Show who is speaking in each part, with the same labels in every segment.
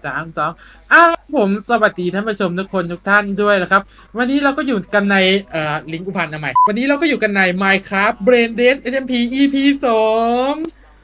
Speaker 1: 3 2ผมสวัสดีท่านผู้ชมทุกคนทุกท่านด้วยนะครับวันนี้เราก็อยู่กันในลิงก์อุพันธ์ใหม่วันนี้เราก็อยู่กันใน Minecraft Brain Dead SMP EP 2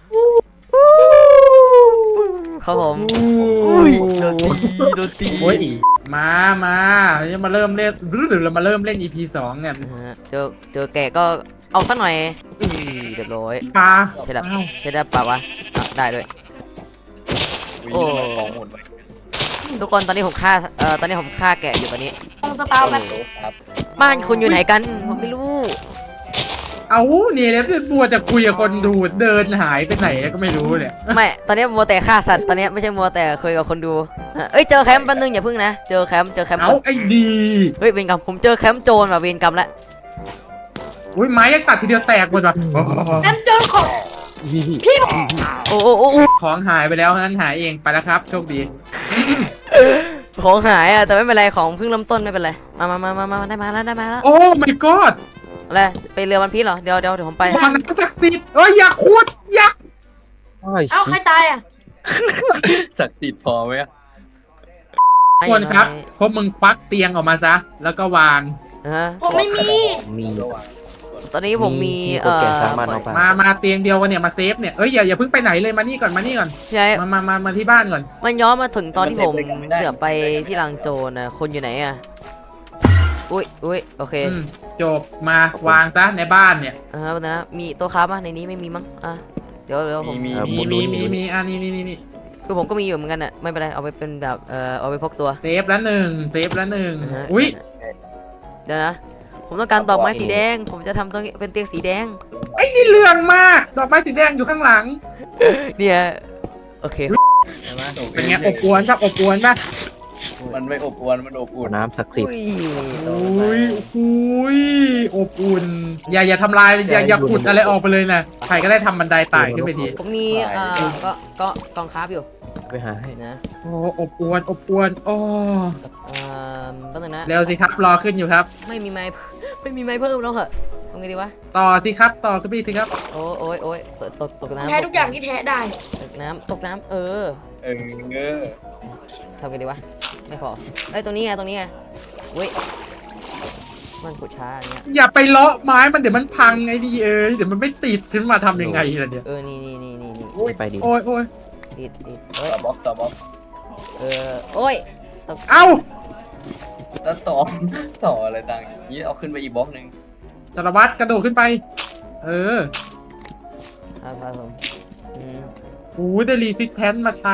Speaker 2: ครับผม
Speaker 1: อุ้ย
Speaker 2: โดนตีโดนตี
Speaker 1: โอ้ยมาเรามาเริ่มเล่นหรือเรามาเริ่มเล่น EP 2กัน
Speaker 2: เจอแกก็เอาสักหน่อยเรียบร้อย
Speaker 1: ปลา
Speaker 2: ใช่ได้ปะวะได้ด้วยโอ้ทุกคนตอนนี้ผมฆ่าตอนนี้ผมฆ่าแกะอยู่ตอนนี้
Speaker 3: ต้องสปาวแบบ
Speaker 2: บ้านคุณอยู่ไหนกันผมไม่รู้
Speaker 1: เอาเนี่ยเนี่ยบัวจะคุยกับคนดูเดินหายไปไหนก็ไม่รู้เนี่ย
Speaker 2: ไม่ตอนนี้มัวแต่ฆ่าสัตว์ตอนนี้ไม่ใช่มัวแต่คุยกับคนดูเอ้ยเจอแคมป์แป๊บนึงอย่าพึ่งนะเจอแคมป์
Speaker 1: เอาไอ้ดี
Speaker 2: เฮ้ยเวรกรรมผมเจอแคมป์โจรว่ะเวรกรรมละ
Speaker 1: อุ้ยไม้ยังตัดทีเดียวแตกหมดว่ะ
Speaker 3: น้ำจนของพี่
Speaker 2: โอ้
Speaker 1: ของหายไปแล้วนั้นหายเองไปแล้วครับโชคดี
Speaker 2: ของหายอ่ะแต่ไม่เป็นไรของเพิ่งเริ่มต้นไม่เป็นไรมาได้มาแล้ว
Speaker 1: โอ้ my god
Speaker 2: อะไรไปเรือวันพีชเหรอเดี๋ยวผมไป
Speaker 1: บอลน้ำศักดิ์สิทธิ์เอ้ยอยากขุดอยาก
Speaker 3: เอ้าใครตายอ่ะ
Speaker 4: ศักดิ์สิทธิ์พอไหม
Speaker 1: ควรครับพวกมึงฟักเตียงออกมาซะแล้วก็วาง
Speaker 3: ผมไม่มี
Speaker 4: มี
Speaker 2: ตอนนี้ผมมี
Speaker 1: มาเตียงเดียวกันเนี่ยมาเซฟเนี่ยเอ้ยอย่าเพิ่งไปไหนเลยมานี่ก่อน
Speaker 2: ใช่
Speaker 1: มาที่บ้านก่อน
Speaker 2: มันย้อนมาถึงตอนที่ผมเสือไปที่ลางโจรนะคนอยู่ไหนอ่ะอุ้ยโอเค
Speaker 1: จบมาวางซะในบ้านเนี่ย
Speaker 2: นะมีโต๊ะค้าป่ะในนี้ไม่มีมั้งเดี๋ยวผม
Speaker 1: มีนี่
Speaker 2: คือผมก็มีอยู่เหมือนกันอ่ะไม่เป็นไรเอาไปเป็นแบบเอาไปพกตัว
Speaker 1: เซฟละหนึ่งอุ้ย
Speaker 2: เดี๋ยวนะผมต้องการดอกไม้สีแดงผมจะทำตัวเป็นเตียงสีแดง
Speaker 1: ไอ้นี่เรื่องมากดอกไม้สีแดงอยู่ข้างหลัง
Speaker 2: เนี่ยโอเค
Speaker 1: เป็นไงอบอวนครับอบอวนป่ะ
Speaker 4: มันไม่อบอวนมันอบอุ่น
Speaker 5: น้ำศักดิ์สิทธิ์
Speaker 1: อุ้ยอบอุ่นอย่าทำลายอย่าขุดอะไรออกไปเลยนะใครก็ได้ทำบันไดไต่ขึ้นไปที
Speaker 2: ผมมีก็กองคราฟอยู่
Speaker 5: ไปหาให้
Speaker 2: นะ
Speaker 1: โอ้อบอวนโอ้
Speaker 2: แป๊บนึงนะ
Speaker 1: เร็วสิครับรอขึ้นอยู่ครับ
Speaker 2: ไม่มีไม้เพิ่มแล้วเหรอทำไงดีวะ
Speaker 1: ต่อสิครับต่อขึ้นไปสิครับ
Speaker 2: โอ้ยตกน้ำ
Speaker 3: แท้ทุกอย่างที่แท้ได้
Speaker 2: ตกน้ำทำไงดีวะไม่พอตรงนี้ไงเว้ยมันขุดช้าอย่างเงี้ย
Speaker 1: อย่าไปเลาะไม้มันเดี๋ยวมันพังไอ้ดีเดี๋ยวมันไม่ติดขึ้นมาทำยังไงล่ะเนี่ย
Speaker 2: นี่
Speaker 5: ไปดิ
Speaker 1: โอ้ย
Speaker 2: ติด
Speaker 4: ต่อบล็อก
Speaker 2: โอ้ย
Speaker 1: เอ้า
Speaker 4: แล้วต่ออะไรต่างนี้เอาขึ้นไปอีกบล็อกนึง
Speaker 1: สารวัตรกระโดดขึ้นไป
Speaker 2: ครับผม
Speaker 1: ได้รีซิสแทนมาใช้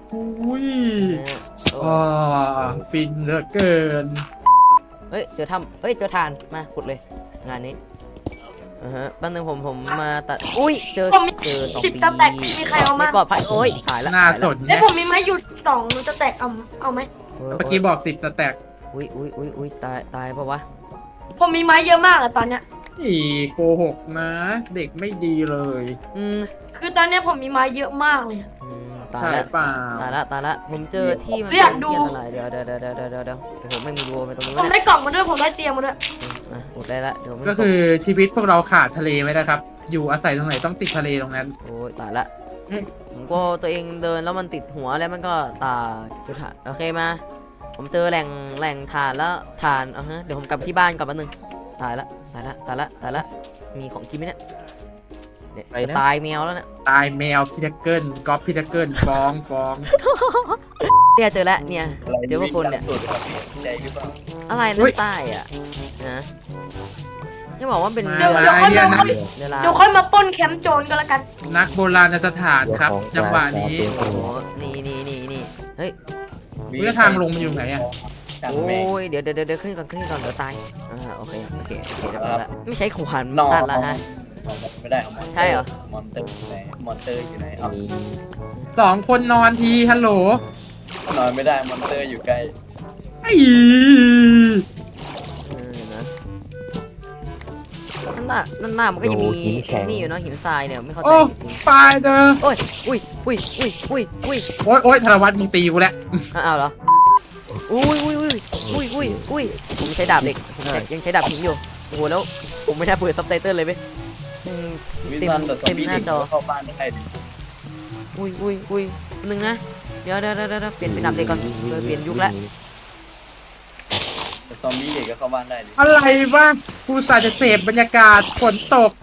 Speaker 1: ฟินเหลือเกิน
Speaker 2: เจอทานมาขุดเลยงานนี้แป๊บนึงผมมาตัดเจอ
Speaker 3: 10 สแต็กมีใครเอามา
Speaker 2: ปลอดภัยถ่ายแล้ว
Speaker 1: น่าสน
Speaker 3: ผมมีไม้หยุด2 สแต็กเอาไหม
Speaker 1: เมื่อกี้บอก10 สแต็ก
Speaker 2: ตายปะวะ
Speaker 3: ผมมีไม้เยอะมากอะตอนเนี้ย
Speaker 1: โกหกนะเด็กไม่ดีเลย
Speaker 3: คือตอนนี้ผมมีไม้เยอะมากเลย
Speaker 1: ใช่ป่า
Speaker 2: ตายละผมเจอที่มันเดี๋ยวผมไม่มีวัวไปตรงนี้
Speaker 3: ผมได้กล่องมาด้วยผมได้เตียงมาด้วย
Speaker 2: อุดได้ละ
Speaker 1: ก็คือชีวิตพวกเราขาดทะเลไม่ได้ครับอยู่อาศัยตรงไหนต้องติดทะเลตรงนั้น
Speaker 2: ตายละผมก็ตัวเองเดินแล้วมันติดหัวแล้วมันก็ตาจุดถ่านโอเคมาผมเจอแหล่งถ่านแล้วถ่านเดี๋ยวผมกลับที่บ้านก่อนแป๊บนึงตายละมีของกินไหมเนี่ยตายแมวแล้วเนี่ย
Speaker 1: ตายแมวพิทักเกิลก๊อปพิทักเกิลฟ้อง
Speaker 2: เนี่ยเจอแล้วเนี่ยเจอพวกคนเนี่ยอะไรนั่นใต้อ่ะนะจะบอกว่าเป็น
Speaker 3: เดี๋ยวค่อยมาป้นแคมป์โจรกันละกัน
Speaker 1: นักโบราณสถานครับจังหวะนี้
Speaker 2: โอ้โหนี่เฮ้ย
Speaker 1: ทางลงมันอยู่ไหนอ่ะ
Speaker 2: โอ้ยเดี๋ยวขึ้นก่อนเดี๋ยวตายโอเคเดี๋ยวแล้วไม่ใช่ขวานตัดละฮะ
Speaker 4: ไม่ได้
Speaker 2: ใช่เหรอ
Speaker 4: มอนเตอร์อยู่ไหน
Speaker 1: 2 คนนอนทีฮัลโหล
Speaker 4: นอนไม่ได้มอนเตอร์อยู่ใกล้
Speaker 2: นั่นหน้ามันก็ยังมีนี่อยู่เนาะหินทรายเนี่ยไม่เข้าใจ
Speaker 1: ตายเด้อ
Speaker 2: อุ้
Speaker 1: ยธนวัฒน์มึงตีกูแล้ว
Speaker 2: อ้าวเหรออุ้ยผมใช้ดาบเหล็กยังใช้ดาบหินอยู่โอ้โหแล้วผมไม่ได้เปิดซับไตเติลเลยไหมเต็มหน้าจอ
Speaker 4: เข้าบ้านได้
Speaker 2: อุ้ยนึงนะเดี๋ยวเปลี่ยนเป็นดับเด็กก่อนเปลี่ยนยุคแล้ว
Speaker 4: แต่ซอมบี้เด็กก็เข้าบ้านได้ดิ
Speaker 1: อะไรวะกูสาจะเสพบรรยากาศฝนตก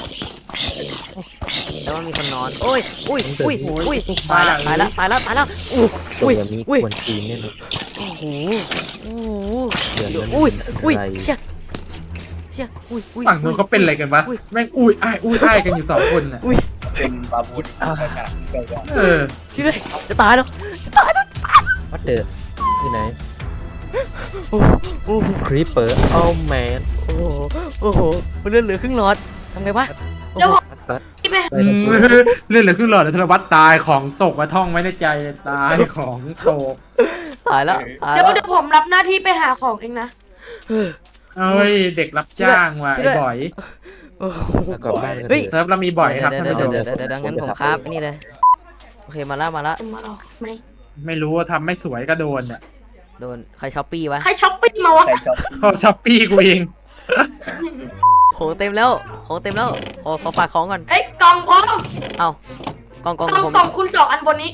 Speaker 2: แล้วมันมีคนนอนโอ้ยตายละอู้
Speaker 5: ส่
Speaker 2: อุ้
Speaker 5: ง
Speaker 2: ย
Speaker 5: แบบนี้
Speaker 2: อุ้ย
Speaker 5: ควรตีนแน่นอน
Speaker 2: โอ้โห
Speaker 5: เดือนนั้น
Speaker 2: อุ้ย
Speaker 5: อะไร
Speaker 2: เชี่ยอุ้ย
Speaker 1: ฝั่งนู้นเขาเป็นอะไรกันวะแม่งอุ้ยอ้ายกันอยู่2 คนน่ะ
Speaker 4: เป็นบาบูนประกาศเกิดก่อน
Speaker 1: เออ
Speaker 2: พี่เลยจะตายแล้ว
Speaker 5: วัดเดอร์ที่ไหน
Speaker 2: โอ้โห
Speaker 5: ครีปเปอร์โอ้แมน
Speaker 2: โอ้โหมันเลือดเหลือครึ่งหลอดทำไงวะ
Speaker 3: แล้วผม
Speaker 5: วัด
Speaker 3: ที่ไป
Speaker 5: ไปแล้ว
Speaker 1: เรื่องเหลือขึ้นหลอดธนวัฒน์ตายของตกมาท่องไว้ในใจตายของตก
Speaker 2: ตายแล้ว
Speaker 3: เดี๋ยวผมรับหน้าที่ไปหาของเองนะ
Speaker 1: เอ้ยเด็กรับจ้างว่ะ
Speaker 2: ช่วย
Speaker 1: ไอ้
Speaker 2: ด้วย
Speaker 1: บ่อย
Speaker 5: แล้วกลับบ้านกัน
Speaker 2: เฮ้ย
Speaker 1: เซิร์ฟเรามีบ่อยครับท่านผู้ชม
Speaker 2: เดี๋ยวงั้นผมครับนี่เลยโอเคมาละ
Speaker 3: มาหรอไหม
Speaker 1: ไม่รู้ว่าทำไม่สวยก็โดนอ่ะ
Speaker 2: โดนใครช้อปปี้วะ
Speaker 3: ใครช้อปปิ้งมาวะ
Speaker 4: ใครชอบ
Speaker 1: เขาช้อปปี้กูเอง
Speaker 2: ของเต็มแล้วขอฝากของก่อน
Speaker 3: เอ้ยกล่องพร้อม
Speaker 2: เอากล่อง
Speaker 3: กล่อง
Speaker 2: ผม
Speaker 3: กล่องคุณ2 อันบนนี้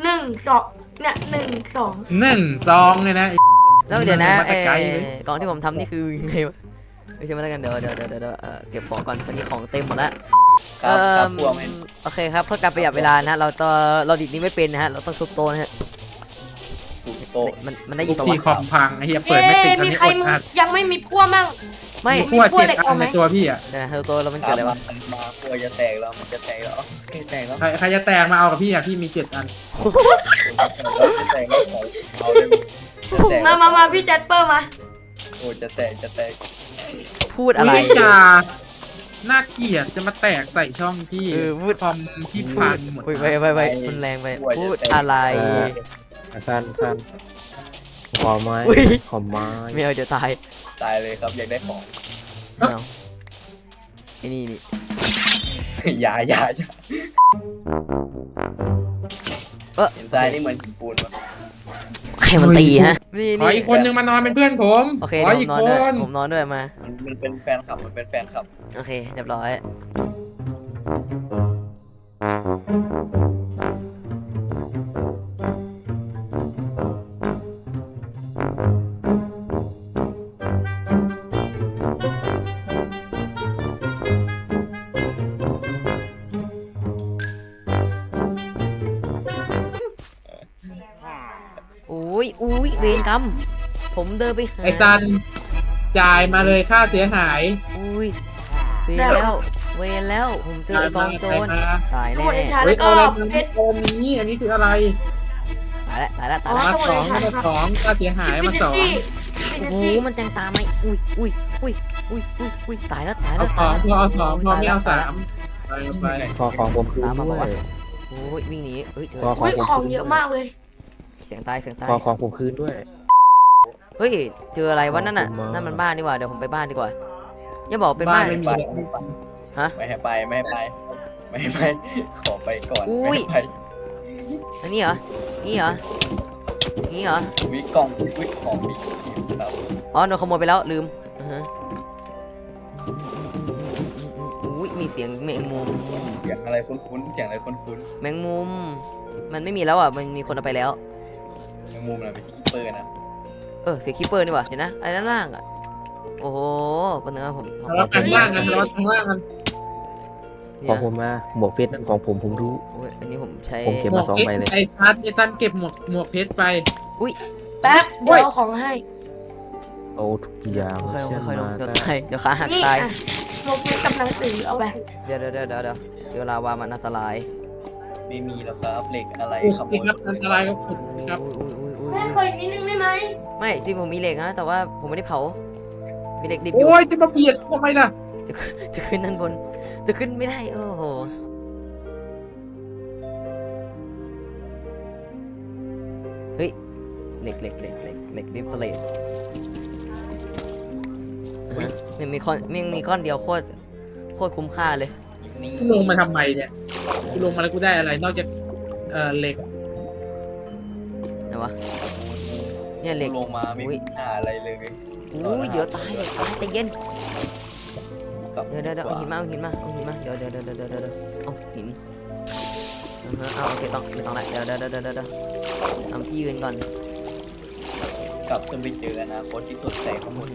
Speaker 3: 1 2เนี่ย1 2
Speaker 1: 1 2เลยนะไอ้
Speaker 2: แล้วเดี๋ยวนะ
Speaker 1: มาแต่ไกลเลย
Speaker 2: กล่องที่ผมทำนี่คือยังไงวะไม่ใช่มาแล้วกันเดี๋ยวเก็บของก่อนตอนนี้ของเต็มหมดแล้ว
Speaker 4: ครับพวกมัน
Speaker 2: โอเคครับเพื่อการประหยัดเวลานะเราดิดนี้ไม่เป็นนะฮะเราต้องทุบโต๊ะนะฮะ
Speaker 4: ถูกโต
Speaker 2: มันได้ยิ
Speaker 1: ทุ
Speaker 2: น
Speaker 1: ก
Speaker 2: ปะ
Speaker 1: ที
Speaker 2: วะ
Speaker 1: คอมพังไอ้เหี้ยเปิดไม่ติดตอน
Speaker 3: มี
Speaker 1: นี้
Speaker 3: ใคร
Speaker 1: อดอัด
Speaker 3: ยังไม่มีพั่วมั่ง
Speaker 2: ไม่
Speaker 1: มีขั้ว
Speaker 3: มีขั้วเหล็
Speaker 1: 7
Speaker 3: ก
Speaker 1: อัน
Speaker 3: เอาไหม
Speaker 1: ในตัวพี่อ่ะ
Speaker 2: เดี๋ยวนะตัวเรามันเกิดอะไรวะ
Speaker 4: มากลัวจะแตกแล้วมันจะแตกแล้วแตกแล้ว
Speaker 1: ใครจะแตกมาเอากับพี่อ่ะพี่มี7 อัน
Speaker 4: จะแตกแล้วเอาเลยจะแตก
Speaker 3: มาพี่แจสเปอร์มา
Speaker 4: โอ้จะแตกจะแตก
Speaker 2: พูดอะไร
Speaker 1: อุ้ยจ่าน่าเกลียดจะมาแตกใส่ช่องพี่
Speaker 2: พูด
Speaker 1: คอมพี่พังหมด
Speaker 2: อุ้ยไปมันแรงไปพูดอะไร
Speaker 5: สั้นขอไม้
Speaker 2: อุ้ย
Speaker 5: ขอไม้
Speaker 2: ไม่เอาเดี๋ยวตาย
Speaker 4: ตายเลยครับอยากได้ของ
Speaker 2: ไม่เอาไอ้นี่
Speaker 4: อย่าเห็นทรายนี่เหมือนหินปูนปะ
Speaker 2: ใครมันตีฮะนี่
Speaker 1: ขออีกคนนึงมานอนเป็นเพื่อนผม
Speaker 2: โอเค
Speaker 1: ขอ
Speaker 2: เดี๋ยว
Speaker 1: อีก
Speaker 2: ผมนอน
Speaker 1: ค
Speaker 2: ด้วย
Speaker 1: น
Speaker 2: ผมนอนด้วยมา
Speaker 4: มันเป็นแฟนคลับมันเป็นแฟนคลับ
Speaker 2: โอเคเรียบร้อยอุ้ยเวรกรรมผมเดินไปหา
Speaker 1: ไอ้ซันจ่ายมาเลยค่าเสียหาย
Speaker 2: อุ้ยเวรแล้วผมเจอไอ้กองโจร
Speaker 1: จ่ายมา
Speaker 2: ตาย
Speaker 3: ทั้ง
Speaker 2: แน่
Speaker 3: หมดในชา
Speaker 1: เฮ้
Speaker 3: แล้
Speaker 1: ยว
Speaker 3: ก็
Speaker 1: เอาอะไร
Speaker 3: เพชร
Speaker 1: ตอนนี้อันนี้คืออะไร
Speaker 2: ตายแล้ว
Speaker 3: อ๋อ
Speaker 1: มา2มา2ค่าเสียหายมา 2
Speaker 2: โอ้โหมันจังตามไหมอุ้ยตายแล้ว
Speaker 1: เอา2พอเอา2พอไม่เอา3ไป
Speaker 5: ขอของผมคืนด้วย
Speaker 2: โอ้ยวิ่งหนีเฮ้ยเจอ
Speaker 5: ขอขอ
Speaker 3: อุ้
Speaker 5: ง
Speaker 3: ย
Speaker 5: ผม
Speaker 3: ของ
Speaker 5: คืน
Speaker 3: เยอะมากเลย
Speaker 2: เสียงตาย
Speaker 5: ขอของผมคืนด้วย
Speaker 2: เฮ้ยเจออะไรวะนั่นน่ะ
Speaker 5: ขอบคุณมาก
Speaker 2: นั่นมันบ้านดีกว่าเดี๋ยวผมไปบ้านดีกว่าอย่าบอกเป็น
Speaker 1: บ้า
Speaker 2: บ้าน น
Speaker 1: ไม่มี
Speaker 2: ฮะ
Speaker 4: ไม่ให้ไปขอไปก่อน
Speaker 2: อุ้ย
Speaker 4: ไม่ให้ไป
Speaker 2: อันนี้เหรอนี่เหรอ
Speaker 4: วิกล่องวิของวิคิวครับ
Speaker 2: อ๋อโดนขโมยไปแล้วลืมอุ้ยมีเสียงแมงมุม
Speaker 4: เสียงอะไรคุ้นๆเสียงอะไรคุ้น
Speaker 2: แมงมุม มันไม่มีแล้วอ่ะมันมีคนเอาไปแล้ว
Speaker 4: ๆในมุมน่ะไม่ใช่คิปเปอร์นะ
Speaker 2: เสียงคีเปอร์นี่หว่าเห็นนะไอ้ด้านล่างอ่ะโอ้โหปัญหาผม
Speaker 1: ทะเลาะกันล่างกันทะเลาะกันล่างกัน
Speaker 5: ขอผมมาหมวกเพชรนั่นของผมรู้
Speaker 2: โอ้ยอันนี้ผมใช้
Speaker 5: ผมเก็บ มา2ใบเลย
Speaker 1: ไอ้ซันเก็บหมวกเพชรไป
Speaker 3: แป๊บเดี๋ยวเอาของให้
Speaker 5: โอ้ทุกอย่าง
Speaker 2: ค่อยๆลงเดี๋ยว
Speaker 5: ได้
Speaker 2: ตายเดี๋ยวขาหัก
Speaker 3: นี่
Speaker 2: ตาย
Speaker 3: อ่ะลบเพชรกับหนังสือเอาไป
Speaker 2: เดี๋ยวลาวามันอันตราย
Speaker 4: ไม่มีแล้วครับเหล็กอะไร
Speaker 1: โอ้
Speaker 4: ขโม
Speaker 1: ย
Speaker 4: ย
Speaker 1: ครับอันตรายครับผมครับ
Speaker 3: แม่ขออีกนิดนึงได้ไหม
Speaker 2: ไม่จริงผมมีเหล็กนะแต่ว่าผมไม่ได้เผามีเหล็กดิบอยู่
Speaker 1: โอ้ยจะมาเบียดทำไมล่ะ
Speaker 2: จะขึ้นด้านบนจะขึ้นไม่ได้โอ้โหเฮ้ยเหล็กดิฟเฟลตมันมีก้อนเดียวโคตรคุ้มค่าเลย
Speaker 4: นี่
Speaker 1: กูลงมาทำไมเนี่ยกูลงมาแล้วกูได้อะไร นอกจากเหล็ก
Speaker 2: ไหนวะเนี่ยเหล็ก
Speaker 4: ลงมาไม่มีหาอะไรเลย
Speaker 2: อุ้ยเดี๋ยวตายใจเย็น
Speaker 4: กับ
Speaker 2: เดี๋ยวเอาหินมาเดี๋ยวเอาหินเอาโอเคต้องไม่ต้องละเดี๋ยวทำที่ยืนก่อน
Speaker 4: กลับขึ้นไปเจออนาคตที่สดใสของหมด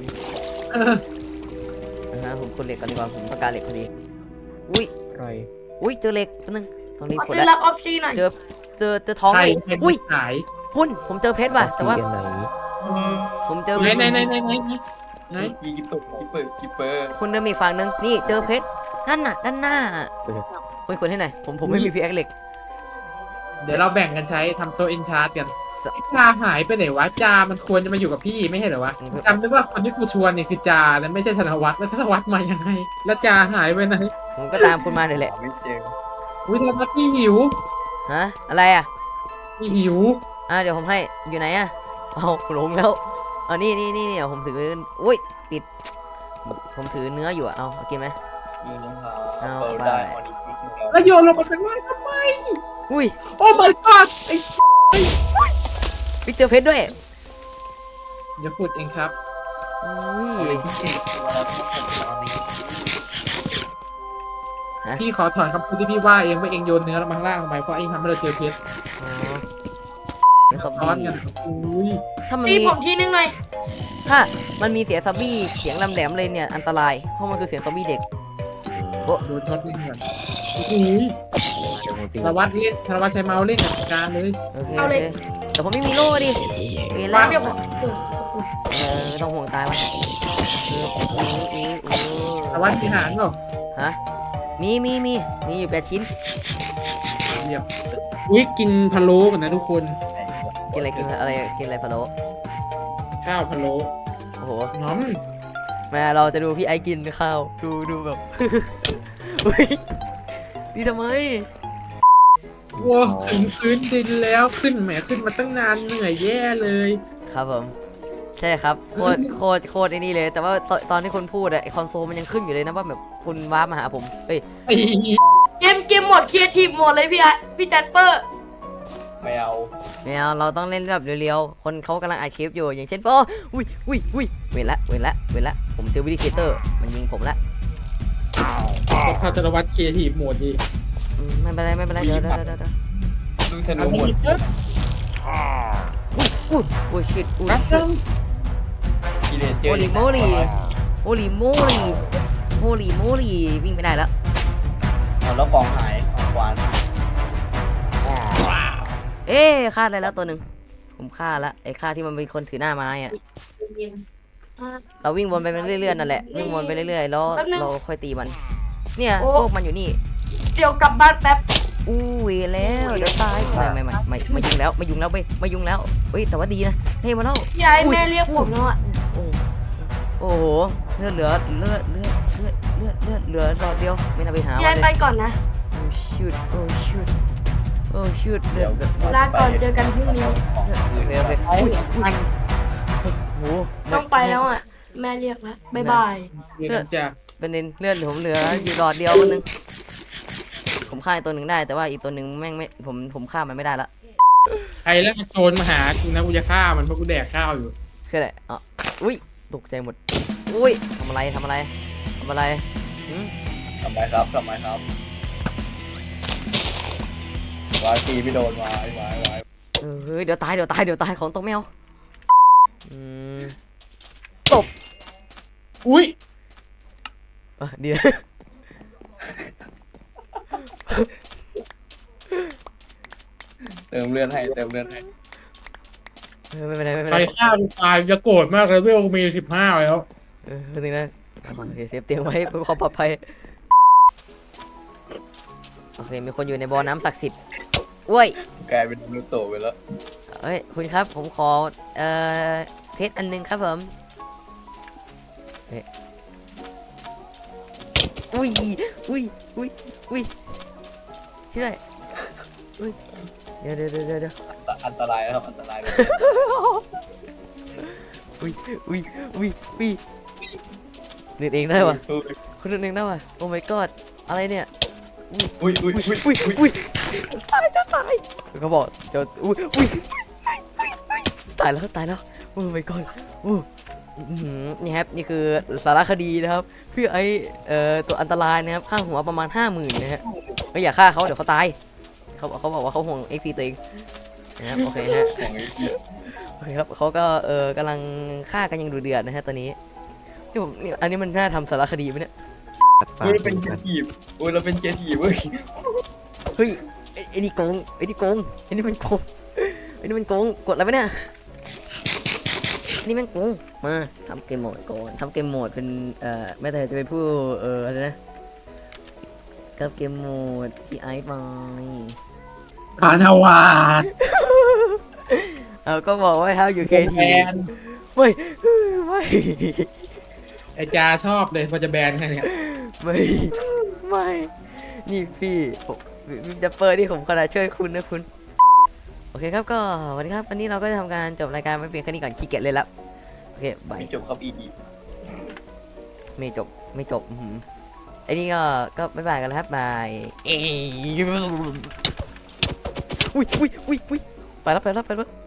Speaker 2: ผมขุดเหล็กก่อนดีกว่าผมต้องการเหล็กพอดีอุ้ย
Speaker 5: ไร
Speaker 2: เจอเหล็กแป๊บนึงต้องรีบ
Speaker 3: ขอ
Speaker 2: ขุด
Speaker 3: ซื้อ
Speaker 2: แล้ว
Speaker 3: รับออฟซีหน่อย
Speaker 2: เจอท้อง
Speaker 1: ใคร
Speaker 2: เลย
Speaker 1: เป็น
Speaker 2: อุ้ย
Speaker 1: ขาย
Speaker 2: คุณผมเจอเพชรว่ะแต่ว่า
Speaker 5: อันไหน
Speaker 2: ผมเจอ
Speaker 1: ไหน
Speaker 2: เพชร
Speaker 1: ไหน
Speaker 4: ยีกิปเปอร์
Speaker 2: คุณเดินมีกฝั่งนึงนี่เจอเพชรนั่นน่ะด้านหน้าคุณขุดให้หน่อยผมไม่มีพิกแอคเหล็ก
Speaker 1: เดี๋ยวเราแบ่งกันใช้ทำโต๊ะเอนชาร์ตกันจาหายไปไหนวะจามันควรจะมาอยู่กับพี่ไม่ใช่เหรอวะจำได้ว่าคนที่กูชวนเนี่ยคือจาแต่ไม่ใช่ธนวัฒน์แล้วธนวัฒน์มายังไง แล้วจาหายไปไหน
Speaker 2: ผมก็ตามคุณมาเลยแหละ
Speaker 4: ไม่เจอ
Speaker 1: อุ้ยธนวัฒน์พี่หิว
Speaker 2: ฮะอะไรอ่ะ
Speaker 1: พี่หิว
Speaker 2: เดี๋ยวผมให้อยู่ไหนอ่ะเอาหลงแล้วนี่เดี๋ยวผมถืออุ้ยติด ผมถือเนื้ออยู่เอากินไหม
Speaker 4: ยืนรองเท้า
Speaker 2: เอา
Speaker 4: เปิด
Speaker 2: ไป
Speaker 4: ได้ออนิฟิก
Speaker 1: แล้วโยนลงมาข้างล่างทำไม
Speaker 2: อุ้ย
Speaker 1: โอ้ my god ไอ้
Speaker 2: เจอเพชรด้วย
Speaker 1: เดี๋ยวขุดเองครับ
Speaker 2: อุ้ย
Speaker 4: ที่เจ็ดเราต้องทำตอนนี้
Speaker 1: พี่ขอถอนคำพูดที่พี่ว่าเองว่าเองโยนเนื้อลงมาข้างล่างทำไมเพราะเองทำให้เราเจอเพชร
Speaker 2: เป็นซอม
Speaker 1: ซ้อน
Speaker 2: บี้
Speaker 1: กันอุ้ย
Speaker 2: ถ้ามัน
Speaker 3: ตี
Speaker 2: มี
Speaker 3: ผมทีนึงหน่อย
Speaker 2: ถ้ามันมีเสียงซอมบี้เสียงลำแหลมเลยเนี่ยอันตรายเพราะมันคือเสียงซอมบี้เด็ก
Speaker 1: โดนช็อตไม่เหมือนอุ้ย
Speaker 5: เดี๋ยวผมตี
Speaker 1: ธนวัฒน์เล่นธนวัฒน์ใช้เมาส์เล่นจัดการเลย
Speaker 2: โอเค
Speaker 3: เอาเลย
Speaker 2: แต่ผมไม่มีโล่ดิเวร
Speaker 3: มา
Speaker 2: แล้ว
Speaker 3: เดี๋ยวผม
Speaker 2: ไม่ต้องห่วงตายวะ
Speaker 1: ธนวัฒน์มีหางเหรอ
Speaker 2: ฮะมีอยู่8 ชิ้น
Speaker 1: เรียบอุ้ยกินพะโล้กันนะทุกคน
Speaker 2: กินอะไรพะโล้
Speaker 1: ข้าวพะโล้
Speaker 2: โอ้โห
Speaker 1: น้อม
Speaker 2: แม่เราจะดูพี่ไอกินข้าวดูแบบ อุ้ยนี่ทำไม
Speaker 1: ว้าถึงพื้นดินแล้วขึ้นแหมขึ้นมาตั้งนานเหนื่อยแย่เลย
Speaker 2: ครับผมใช่ครับโคตรไอ้นี่เลย แต่ว่าตอนที่คุณพูดอะไอคอนโซลมันยังขึ้นอยู่เลยนะว่าแบบคุณว้าร์ปมาหาผมเอ้ย
Speaker 1: ไอ้
Speaker 3: เกมหมดครีเอทีฟหมดเลยพี่แจ็คเปอร์
Speaker 4: ไม่เอา
Speaker 2: ไม่เอาเราต้องเล่นแบบเร็วๆคนเขากำลังอัดคลิปอยู่อย่างเช่นอุ้ยเวรละผมเจอวิดีเคเตอร์มันยิงผมละ
Speaker 1: ก็พาธนวัฒน์เคลียร์ทีมโหมดดี
Speaker 2: ไม่เป็นไรเดี๋ยว
Speaker 4: ดูธนูหมด
Speaker 2: อุ้ยชิดอุ้ย
Speaker 4: กิเลสเจ
Speaker 2: โอ
Speaker 4: อ
Speaker 2: ลิโมลีวิ่งไม่ได้แล้ว
Speaker 4: แล้วของหายของควาน
Speaker 2: ฆ่าได้แล้วตัวหนึ่งผมฆ่าละไอ้ฆ่าที่มันเป็นคนถือหน้าไม้อะเราวิ่งวนไปเรื่อยๆนั่นแหละวิ่งวนไปเรื่อยๆแล้วเราค่อยตีมัน เนี่ยพวกมันอยู่นี่
Speaker 3: เดี๋ยวกลับบ้านแป๊บ
Speaker 2: อู้ยแล้วเดี๋ยวตายไม่มายุ่งแล้วเฮ้ยแต่ว่าดีนะเฮ้ยมาแล้ว
Speaker 3: ยายแม่เรียกผมแล้วอ่ะ
Speaker 2: โอ้โหเลือดเหลือหลอดเดียวไม่น่าไปหาย
Speaker 3: าย
Speaker 2: เล
Speaker 3: ไป
Speaker 2: ย
Speaker 3: ก่อนนะ
Speaker 2: โอ้ชุดเลื
Speaker 4: เดี๋
Speaker 2: อ
Speaker 4: ยว
Speaker 2: ด
Speaker 3: ลาก่อนเจอกันพรุ่งนี้
Speaker 2: โอเค
Speaker 1: ไอ้มัน
Speaker 2: โอ้โห
Speaker 3: ต้องไปแล้วอ่ะ แม่เรียกแล้วบ๊ายบาย
Speaker 1: เดี๋ยวจะ
Speaker 2: เป็นเลือดผมเหลืออยู่หลอดเดียวคนนึงผมฆ่าตัวหนึ่งได้แต่ว่าอีกตัวหนึ่งแม่งไม่ผมฆ่ามันไม่ได้ละ
Speaker 1: ใครแล้วมันโจรมาหากูนะกูจะฆ่ามันเพราะกูแดกข้าวอยู่
Speaker 2: คืออะไรอุ้ยตกใจหมดอุ้ยทำอะไรหืม
Speaker 4: ทำไมครับวายตีไม่โดนวาย
Speaker 2: เฮ้ยเดี๋ยวตายของตกแมวตบ
Speaker 1: อุ้ย
Speaker 2: ดีนะ
Speaker 4: เติมเลือดให้
Speaker 2: ไม่เป็นไร
Speaker 1: ใครฆ่ากูตายจะโกรธมากเลยเวลกูมี15แล้ว
Speaker 2: นึงนะโอเคเซฟเตียงไว้เพื่อความปลอดภัยโอเคมีคนอยู่ในบ่อน้ำศักดิ์สิทธิ์อุ้ย
Speaker 4: กลายเป็นนูโตะไปแล้ว
Speaker 2: เอ้ยคุณครับผมขอเพชรอันนึงครับผมอุ้ยช่วยอุ้ยเดี๋ยว
Speaker 4: อันตรายนะครับอันตรายเลย
Speaker 2: อุ้ยเน็ตเองได้วะคุณเน็ตเองได้วะโอ้ my god อะไรเนี่ย
Speaker 4: อุ้ย
Speaker 2: ตายเขาบอกจะอุ้ยตายแล้วโอ้ my god นี่ครับนี่คือสารคดีนะครับเพื่อไอตัวอันตรายนะครับค่าหัวประมาณ 50,000นะฮะไม่อย่าฆ่าเขาเดี๋ยวเขาตายเขาบอกว่าเขาห่วง XP ตัวเองนะครับโอเคฮะ
Speaker 4: ของไอ้พี่
Speaker 2: โอเคครับเขาก็กำลังฆ่ากันอย่างดุเดือดนะฮะตอนนี้นี่ผมนี่อันนี้มันน่าทำสารคดีไหมเนี่ย
Speaker 5: ฝาก
Speaker 4: เฮ้ยเราเป็น
Speaker 5: ดู
Speaker 4: เคีย
Speaker 5: กัน
Speaker 4: ร์ทีฟโอ้ยเราเป็นเคียร์ทีฟเว้ย
Speaker 2: เฮ้ยไอ้นี่โกงไอ้นี่โกงไอ้นี่มันโกงไอ้นี่มันโกงกดอะไรวะเนี่ยนี่มันโกงมาทำเกมโหมดก่อนทำเกมโหมดเป็นแม่แต่จะเป็นผู้อะไรนะกับเกมโหมดพี่ไอซ์ไป
Speaker 1: พานาวาด
Speaker 2: ก็บอกว่า how you
Speaker 1: แบ
Speaker 2: can
Speaker 1: น
Speaker 2: ไม่ไม่
Speaker 1: ไอจาชอบเลยพอจะแบนกันเนี่ย
Speaker 2: ไม่ไม่นี่พี่ผมจะเปิดที่ผมขนาดช่วยคุณนะคุณโอเคครับก็สวัสดีครับวันนี้เราก็จะทำการจบรายการไปเพียงแค่นี้ก่อนขี้เกียจเลยแล้วโอเคบาย
Speaker 4: ไม่จบครับอีดี
Speaker 2: ไม่จบไม่จบไอ้นี่ก็บ๊ายบายกันแล้วครับบายเอ้ยอุ้ยไปแล้ว